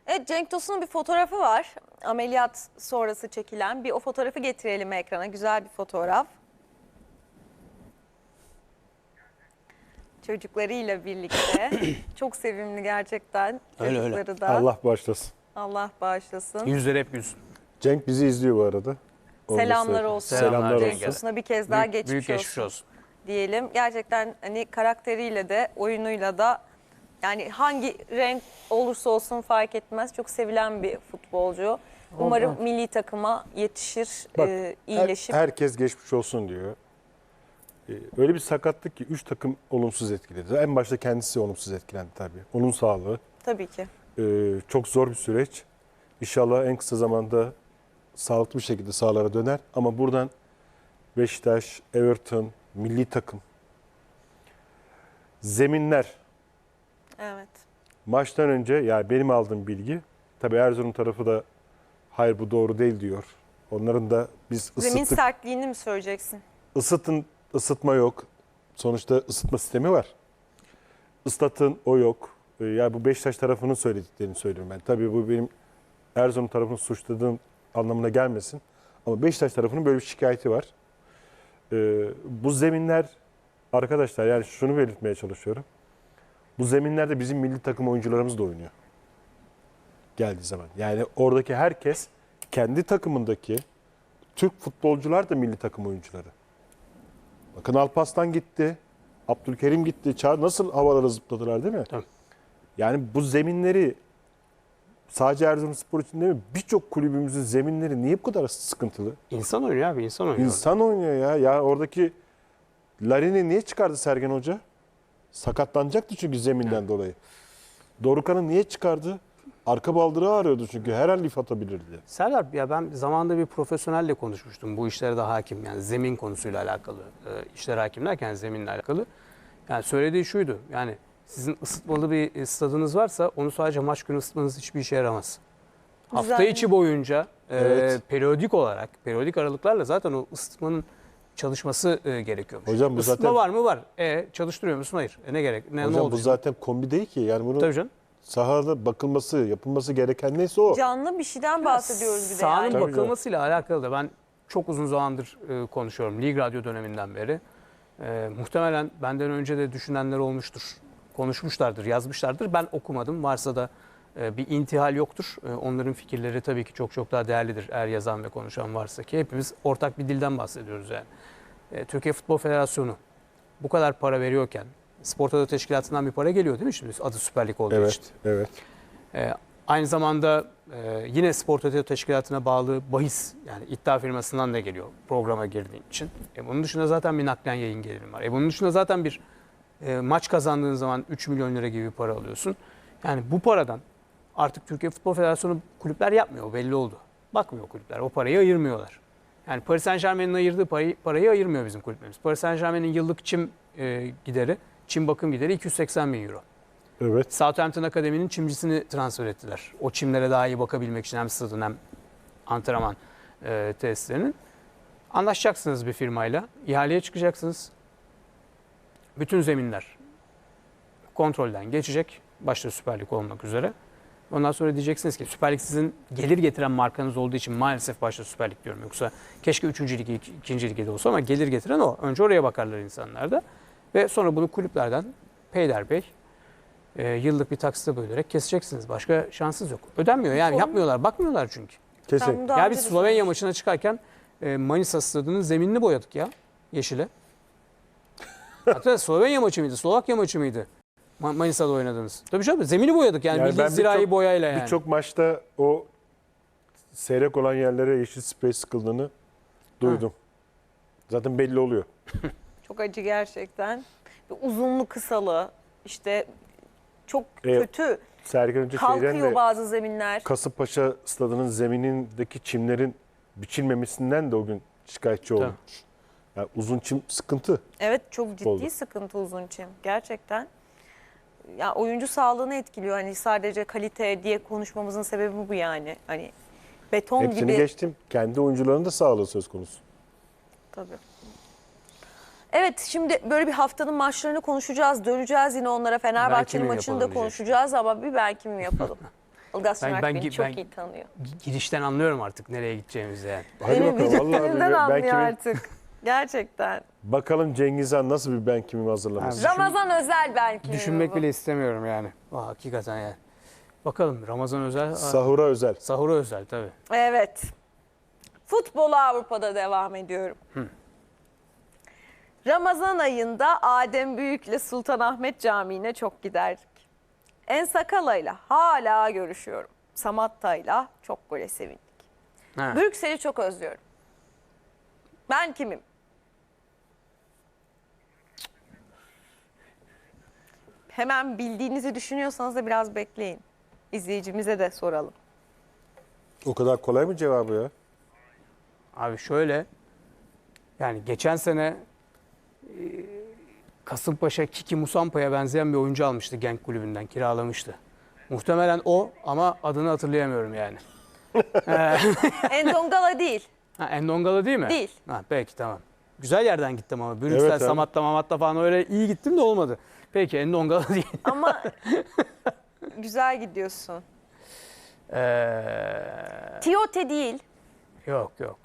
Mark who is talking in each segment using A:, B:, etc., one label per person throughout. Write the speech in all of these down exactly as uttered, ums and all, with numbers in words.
A: Evet, Cenk Tosun'un bir fotoğrafı var. Ameliyat sonrası çekilen. Bir o fotoğrafı getirelim ekrana. Güzel bir fotoğraf. Çocuklarıyla birlikte. Çok sevimli gerçekten.
B: Öyle, öyle.
A: Çocukları da.
C: Allah bağışlasın.
A: Allah bağışlasın.
B: Yüzleri hep gülsün.
C: Cenk bizi izliyor bu arada. Onu da
A: Selamlar
C: söyleyeyim.
A: olsun.
C: Selamlar
A: Cenk
C: olsun.
A: Tosun'a bir kez daha
B: Büyük,
A: geçmiş,
B: büyük geçmiş
A: olsun,
B: olsun.
A: diyelim. Gerçekten hani karakteriyle de oyunuyla da yani hangi renk olursa olsun fark etmez. Çok sevilen bir futbolcu. Umarım
C: Bak.
A: milli takıma yetişir,
C: Bak,
A: e,
C: her-
A: iyileşip.
C: herkes geçmiş olsun diyor. Ee, öyle bir sakatlık ki üç takım olumsuz etkiledi. En başta kendisi olumsuz etkilendi tabii. Onun sağlığı.
A: Tabii ki.
C: Ee, çok zor bir süreç. İnşallah en kısa zamanda sağlıklı bir şekilde sahalara döner. Ama buradan Beşiktaş, Everton, milli takım, zeminler
A: Evet.
C: maçtan önce, yani benim aldığım bilgi, tabii Erzurum tarafı da hayır bu doğru değil diyor. Onların da biz
A: Zemin
C: ısıttık.
A: sertliğini mi söyleyeceksin?
C: Isıtın, ısıtma yok. Sonuçta ısıtma sistemi var. Islatın, o yok. Ee, Yani bu Beşiktaş tarafının söylediklerini söylüyorum ben. Tabii bu benim Erzurum tarafını suçladığım anlamına gelmesin. Ama Beşiktaş tarafının böyle bir şikayeti var. Ee, bu zeminler, arkadaşlar, yani şunu belirtmeye çalışıyorum. Bu zeminlerde bizim milli takım oyuncularımız da oynuyor. Geldiği zaman. Yani oradaki herkes kendi takımındaki Türk futbolcular da milli takım oyuncuları. Bakın Alparslan gitti. Abdülkerim gitti. Çağ nasıl havalara zıpladılar değil mi?
B: Tabii.
C: Yani bu zeminleri sadece Erzurumspor için değil mi? Birçok kulübümüzün zeminleri niye bu kadar sıkıntılı?
B: İnsan oynuyor abi, insan oynuyor.
C: İnsan oynuyor ya. Ya oradaki Larin'i niye çıkardı Sergen Hoca? Sakatlanacaktı çünkü zeminden
B: Evet.
C: dolayı. Dorukhan'ı niye çıkardı? Arka baldırı ağrıyordu çünkü her an lif atabilirdi.
B: Serdar, ya ben zamanında bir profesyonelle konuşmuştum bu işlere de hakim, yani zemin konusuyla alakalı, e, işlere hakim derken zeminle alakalı. Yani söylediği şuydu, yani sizin ısıtmalı bir stadınız varsa onu sadece maç günü ısıtmanız hiçbir işe yaramaz. Hafta
A: Güzel.
B: içi boyunca e,
C: Evet.
B: periyodik olarak, periyodik aralıklarla zaten o ısıtmanın çalışması e, gerekiyormuş.
C: Hocam bu
B: Isıtma
C: zaten-
B: var mı? Var. E, çalıştırıyor musun? Hayır. E, ne gerek? Ne, ne
C: Hocam
B: oldu
C: bu
B: şimdi?
C: zaten kombi değil ki. Yani bunu
B: Tabii canım.
C: sahada bakılması, yapılması gereken neyse o.
A: Canlı bir şeyden bahsediyoruz bir de
B: Sahanın
A: yani.
C: Tabii
B: bakılmasıyla alakalı da ben çok uzun zamandır e, konuşuyorum. Lig Radyo döneminden beri. E, muhtemelen benden önce de düşünenler olmuştur. Konuşmuşlardır, yazmışlardır. Ben okumadım. Varsa da e, bir intihal yoktur. E, onların fikirleri tabii ki çok çok daha değerlidir. Eğer yazan ve konuşan varsa ki hepimiz ortak bir dilden bahsediyoruz yani. E, Türkiye Futbol Federasyonu bu kadar para veriyorken Spor Toto Teşkilatı'ndan bir para geliyor değil mi şimdi adı Süper Lig olduğu
C: Evet,
B: için?
C: evet.
B: Ee, aynı zamanda e, yine Spor Toto Teşkilatı'na bağlı bahis, yani iddia firmasından da geliyor programa girdiğin için. E, bunun dışında zaten bir naklen yayın geliri var. E, bunun dışında zaten bir e, maç kazandığın zaman üç milyon lira gibi bir para alıyorsun. Yani bu paradan artık Türkiye Futbol Federasyonu kulüpler yapmıyor, belli oldu. Bakmıyor kulüpler, o parayı ayırmıyorlar. Yani Paris Saint-Germain'in ayırdığı parayı, parayı ayırmıyor bizim kulüplerimiz. Paris Saint-Germain'in yıllık çim e, gideri, çim bakım gideri iki yüz seksen bin euro.
C: Evet.
B: Southampton Akademi'nin çimcisini transfer ettiler. O çimlere daha iyi bakabilmek için hem stadın hem antrenman e, tesislerinin. Anlaşacaksınız bir firmayla. İhaleye çıkacaksınız. Bütün zeminler kontrolden geçecek. Başta Süper Lig olmak üzere. Ondan sonra diyeceksiniz ki Süper Lig sizin gelir getiren markanız olduğu için maalesef başta Süper Lig diyorum. Yoksa keşke üçüncü ligi, ikinci ligi de olsa ama gelir getiren o. Önce oraya bakarlar insanlar da. Ve sonra bunu kulüplerden peyderpey e, yıllık bir taksite bölerek keseceksiniz. Başka şansınız yok. Ödenmiyor yani,
A: Son-
B: yapmıyorlar, bakmıyorlar çünkü.
A: Ben
C: Kesin.
A: bunu daha
B: Ya
A: önce
B: biz
A: de
B: Slovenya
A: söylemiştim.
B: maçına çıkarken e, Manisa stadının zeminini boyadık ya yeşile. Hatta Slovenya maçı mıydı, Slovakya maçı mıydı? Ma- Manisa'da oynadığınız. Tabii canım, zemini boyadık yani,
C: Yani
B: bildiğin
C: ben
B: zirai
C: birçok-
B: boyayla yani.
C: Birçok maçta o seyrek olan yerlere yeşil sprey sıkıldığını duydum. Zaten belli oluyor.
A: Çok acı gerçekten. Ve uzunlu kısalı işte çok
C: E,
A: kötü.
C: Sergen Hoca şeyden
A: Kalkıyor
C: de
A: bazı zeminler.
C: Kasımpaşa stadının zeminindeki çimlerin biçilmemesinden de o gün şikayetçi olmuş. Yani uzun çim sıkıntı.
A: Evet, çok ciddi
C: Oldu.
A: sıkıntı uzun çim. Gerçekten. Ya oyuncu sağlığını etkiliyor. Hani sadece kalite diye konuşmamızın sebebi bu yani. Hani beton
C: Hepsini
A: gibi.
C: geçtim. Kendi oyuncuların da sağlığı söz konusu.
A: Tabii. Evet, şimdi böyle bir haftanın maçlarını konuşacağız. Döneceğiz yine onlara. Fenerbahçe'nin
B: Belki mi
A: maçını da
B: yapalım
A: konuşacağız ama bir belki mi yapalım? Ilgaz
B: Ben-
A: Şener
B: ben-
A: beni çok
B: ben-
A: iyi tanıyor.
B: Girişten anlıyorum artık nereye gideceğimizi yani.
C: Hadi
A: Benim
C: bakalım vallahi
A: vücudumdan
C: ben
A: anlıyor
C: kimi,
A: artık. Gerçekten.
C: bakalım Cengiz Han nasıl bir ben kimim hazırlamış.
B: Abi,
A: Ramazan özel belki.
B: Düşünmek
A: bu.
B: bile istemiyorum yani. Aa, hakikaten yani. Bakalım Ramazan özel, aa,
C: Sahura özel.
B: sahura özel tabii.
A: Evet. Futbolu Avrupa'da devam ediyorum. Ramazan ayında Adem Büyük'le Sultanahmet Camii'ne çok giderdik. En Sakala'yla hala görüşüyorum. Samatta'yla çok gole sevindik.
B: Ha.
A: Brüksel'i çok özlüyorum. Ben kimim? Hemen bildiğinizi düşünüyorsanız da biraz bekleyin. İzleyicimize de soralım.
C: O kadar kolay mı cevabı ya?
B: Abi şöyle, yani geçen sene e, Kasımpaşa Kiki Musampa'ya benzeyen bir oyuncu almıştı Genk Kulübü'nden, kiralamıştı. Muhtemelen o ama adını hatırlayamıyorum yani.
A: Endongala değil.
B: Ha, Endongala değil mi?
A: Değil.
B: Ha, peki tamam. Güzel yerden gittim ama. Brüksel,
C: Evet abi.
B: Samatta, Mamatta falan öyle iyi gittim de olmadı. Peki Endongala değil.
A: Ama güzel gidiyorsun.
B: Ee,
A: Tiote değil.
B: yok yok.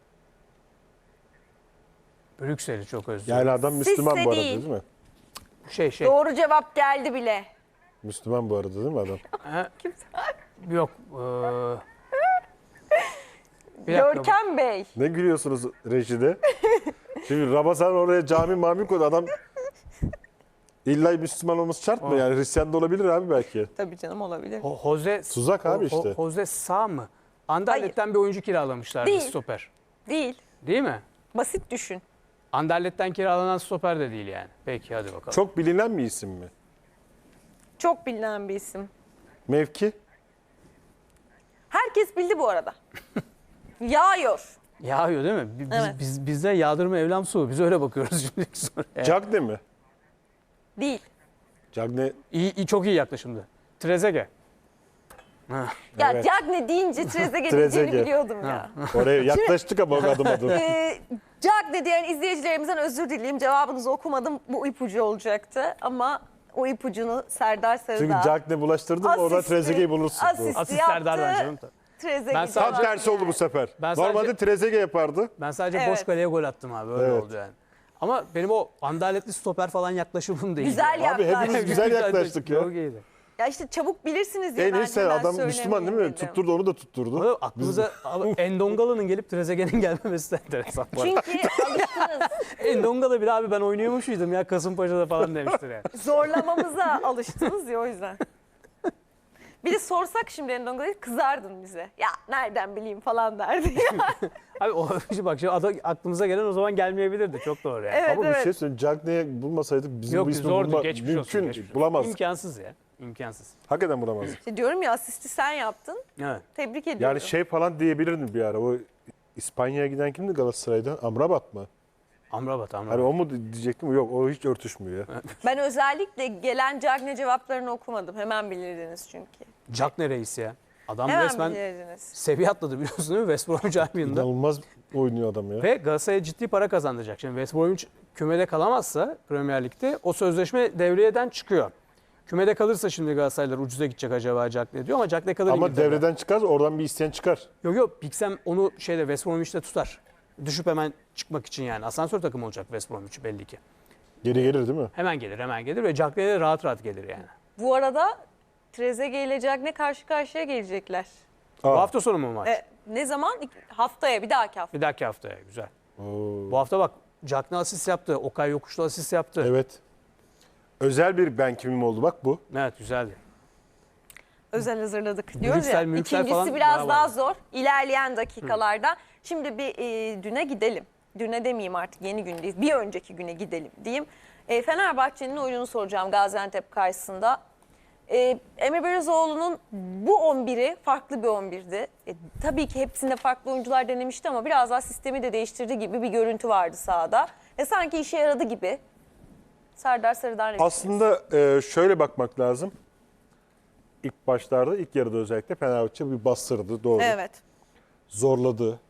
B: Brüksel'i çok özlüyorum.
C: Yani adam Müslüman
A: Sisse
C: bu arada
A: değil.
C: değil mi?
B: Şey şey.
A: Doğru cevap geldi bile.
C: Müslüman bu arada değil mi adam?
B: Ha, yok. ee, bir dakika.
A: Görkem Bey.
C: Ne gülüyorsunuz rejide? Şimdi Ramazan oraya cami mami koydu. Adam illa Müslüman olması şart mı?
B: O-
C: Yani Hristiyan da olabilir abi belki.
A: Tabii canım olabilir.
B: Ho- Jose
C: Tuzak abi
B: Ho- Ho-
C: işte.
B: Jose Sağ mı? Anderlet'ten bir oyuncu kiralamışlardı,
A: Değil.
B: stoper.
A: Değil.
B: Değil mi?
A: Basit düşün.
B: Anderlet'ten kiralanan stoper de değil yani. Peki hadi bakalım.
C: Çok bilinen bir isim mi?
A: Çok bilinen bir isim.
C: Mevki?
A: Herkes bildi bu arada. Yağıyor.
B: Yağıyor değil mi? Biz,
A: Evet.
B: biz, bizde yağdırma evlam su. Biz öyle bakıyoruz şimdi soruya.
C: Cagne mi?
A: Değil.
C: Cagne
B: İyi, iyi, çok iyi yaklaşımdı. Trezeguet. Ha.
A: Ya
C: Evet.
A: Cagne deyince Trezeguet diyeceğini
C: Trezeguet.
A: biliyordum ya.
C: oraya yaklaştık ama adım adım.
A: Ee, Cagne diyen izleyicilerimizden özür dileyim. Cevabınızı okumadım. Bu ipucu olacaktı ama o ipucunu Serdar
C: Çünkü
A: Sarıdağ
C: Cagne bulaştırdın oradan
A: Asisti-
C: Trezeguet'i bulursun.
A: asisti
B: Asist
A: yaptı.
B: Serdar'dan canım.
A: Trezeguet
B: Ben sadece-
C: Tam tersi oldu bu sefer.
B: Ben
C: Normalde
B: sadece-
C: Trezeguet yapardı.
B: Ben sadece
A: Evet.
B: boş kaleye gol attım abi. Öyle
C: Evet.
B: oldu yani. Ama benim o Anderletli stoper falan yaklaşımım değil.
A: Güzel
C: Abi
A: yaklaştı.
C: hepimiz güzel yaklaştık ya.
B: Çok iyiydi.
A: Ya işte çabuk bilirsiniz diye
C: En
A: ben
C: iyisi
A: hemen
C: adam Müslüman değil mi?
A: söylemeyeyim dedim.
C: Tutturdu onu da tutturdu.
B: Ama aklımıza abi, Endongala'nın gelip Trezeguet'in gelmemesi de enteresan. bu arada.
A: Çünkü alıştınız.
B: Endongala bile abi ben oynuyormuş muydum ya Kasımpaşa'da falan demiştir yani.
A: Zorlamamıza alıştınız ya o yüzden. Bir de sorsak şimdi Endongala'yı kızardın bize. Ya nereden bileyim falan derdi.
B: Abi o bak şimdi ada- aklımıza gelen o zaman gelmeyebilirdi. Çok doğru yani.
A: Evet,
C: Ama bir
A: evet.
C: şey söyleyeyim. Cagne'yi bulmasaydık bizim
B: Yok
C: bu ismi
B: zordu
C: bulma,
B: geçmiş
C: mümkün
B: olsun. Geçmiş olsun.
C: bulamazdık.
B: İmkansız ya. İmkansız.
C: Hakikaten bulamazdık.
A: İşte diyorum ya asisti sen yaptın.
B: Evet.
A: Tebrik ediyorum.
C: Yani şey falan diyebilirdim bir ara. O İspanya'ya giden kimdi Galatasaray'da? Amrabat mı?
B: Amrabat Amrabat.
C: Hani o mu diyecektim? Yok o hiç örtüşmüyor ya.
A: Ben özellikle gelen Cagne cevaplarını okumadım. Hemen bilirdiniz çünkü.
B: Jack reis ya. Adam
A: Hemen
B: resmen
A: bilirdiniz.
B: seviye atladı biliyorsun değil mi? West Bromwich Albion'da.
C: İnanılmaz oynuyor adam ya.
B: Ve Galatasaray'a ciddi para kazandıracak. Şimdi West Bromwich kümede kalamazsa Premier Lig'de o sözleşme devriyeden çıkıyor. Kümede kalırsa şimdi Galatasaraylar ucuza gidecek acaba Jack ne diyor ama Jack ne kadar
C: Ama
B: İngiltere'de.
C: devreden çıkar oradan bir isteyen çıkar.
B: Yok yok Pixem onu şeyde West Bromwich'te tutar. Düşüp hemen çıkmak için yani. Asansör takımı olacak West Bromwich belli ki.
C: Geri gelir değil mi?
B: Hemen gelir hemen gelir ve Jack de rahat rahat gelir yani.
A: Bu arada Trezeguet ile Cagne karşı karşıya gelecekler.
B: Bu
C: Aa.
B: hafta sonu mu maç?
A: E, ne zaman? İk- Haftaya, bir dahaki hafta.
B: Bir dahaki haftaya güzel.
C: Oo.
B: Bu hafta bak Jack ne asist yaptı. Okay Yokuşlu asist yaptı. Evet,
C: Evet. Özel bir ben kimim oldu bak bu.
B: güzeldi.
A: Özel hazırladık diyoruz
B: Brüksel,
A: ya.
B: Mürksel
A: İkincisi
B: falan
A: biraz
B: bravo.
A: daha zor. İlerleyen dakikalarda. Şimdi bir e, düne gidelim. Düne demeyeyim artık, yeni gündeyiz. Bir önceki güne gidelim diyeyim. E, Fenerbahçe'nin oyununu soracağım Gaziantep karşısında. E, Emre Belözoğlu'nun bu on biri farklı bir on birdi. E, tabii ki hepsinde farklı oyuncular denemişti ama biraz daha sistemi de değiştirdi gibi bir görüntü vardı sahada. E, sanki işe yaradı gibi. Serdar Sarı'dan ne
C: Aslında e, şöyle bakmak lazım. İlk başlarda, ilk yarıda özellikle Fenerbahçe bir bastırdı doğru.
A: Evet.
C: Zorladı.